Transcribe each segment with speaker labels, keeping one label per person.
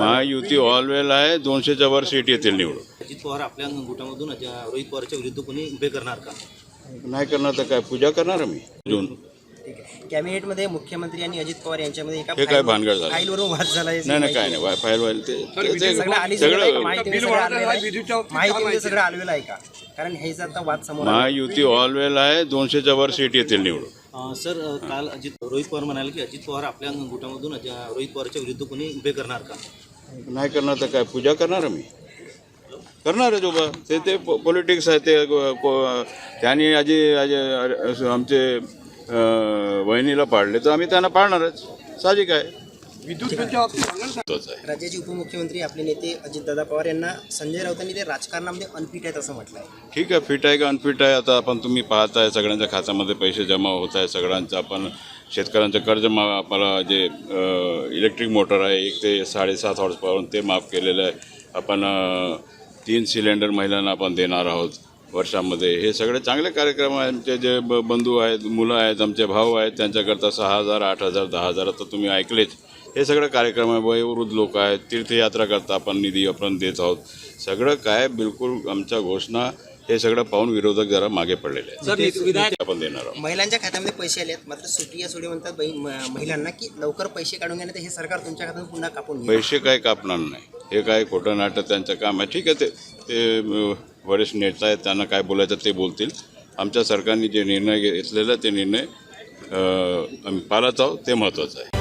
Speaker 1: महायुती ऑलवेल आहे. 200च्या वर सीट येतील निवडून.
Speaker 2: अजित पवार आपल्या गुटामधून रोहित पवारच्या विरुद्ध कोणी उभे करणार का?
Speaker 1: नाही करणार तर काय पूजा करणार मी जून.
Speaker 3: कॅबिनेटमध्ये मुख्यमंत्री आणि अजित पवार यांच्यामध्ये एका
Speaker 1: हे काय भानगड झालं?
Speaker 3: फाईलवरून वाद झाला.
Speaker 1: नाही काय नाही फाईल व्हायला ते
Speaker 3: सगळं माहितीमध्ये
Speaker 1: सगळं
Speaker 3: सगळं आलवेलं आहे का? कारण ह्याचा आता वाद समोर
Speaker 1: महायुती ऑलवेल आहे. 200च्या वर सीट येतील निवडून.
Speaker 2: सर काल रोहित पवार म्हणाले की अजित पवार आपल्या गुटामधून रोहित पवारच्या विरुद्ध कोणी उभे करणार का?
Speaker 1: नाही करणार तर काय पूजा करणार मी करणार आहे उभा. ते पॉलिटिक्स आहे. ते त्यांनी आमचे वहिनीला पाडले तर आम्ही त्यांना पाडणारच. साहजिक आहे.
Speaker 3: राज्याचे उपमुख्यमंत्री आपले नेते अजितदादा पवार यांना संजय राऊतांनी ते राजकारणामध्ये अनफिट आहेत असं म्हटलं आहे.
Speaker 1: ठीक आहे. फिट आहे का अनफिट आहे आता आपण तुम्ही पाहताय. सगळ्यांच्या खात्यामध्ये पैसे जमा होत आहे. सगळ्यांचं आपण शेतकऱ्यांचं कर्ज आपल्याला जे इलेक्ट्रिक मोटर आहे 1 ते 7.5 हॉर्सपावरून ते माफ केलेलं आहे. आपण 3 सिलेंडर महिलांना आपण देणार आहोत वर्षामध्ये. हे सगळे चांगले कार्यक्रम आहेत. आमचे जे बंधू आहेत, मुलं आहेत, आमचे भाऊ आहेत, त्यांच्याकरता 6,000, 8,000, 10,000 आता तुम्ही ऐकलेच. हे सगळं कार्यक्रम आहे. वयोवृद्ध लोक आहेत, तीर्थयात्रा करता आपण निधी आपण देत आहोत. सगळं काय बिलकुल आमच्या घोषणा हे सगळं पाहून विरोधक जरा मागे पडलेले आहेत. आपण देणार आहोत.
Speaker 3: महिलांच्या खात्यामध्ये पैसे आले आहेत, मात्र सुटी या सोडी म्हणतात महिलांना की लवकर पैसे काढून घेण्यात हे सरकार तुमच्या खात्यातून पुन्हा कापून घेईल.
Speaker 1: पैसे काय कापणार नाही. हे काय खोटं नाटक त्यांचं काम आहे. ठीक आहे. ते वरिष्ठ नेता आहेत, त्यांना काय बोलायचं ते बोलतील. आमच्या सरकारने जे निर्णय घेतलेला ते निर्णय आम्ही पाळत आहोत. ते महत्त्वाचं आहे.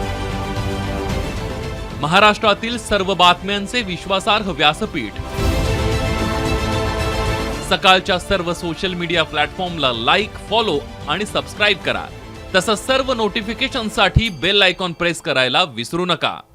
Speaker 4: महाराष्ट्रातील सर्व बातम्यांचे विश्वासार्ह व्यासपीठ सकाळच्या सर्व सोशल मीडिया प्लॅटफॉर्मला लाईक, फॉलो आणि सबस्क्राईब करा. तसंच सर्व नोटिफिकेशनसाठी बेल आयकॉन प्रेस करायला विसरू नका.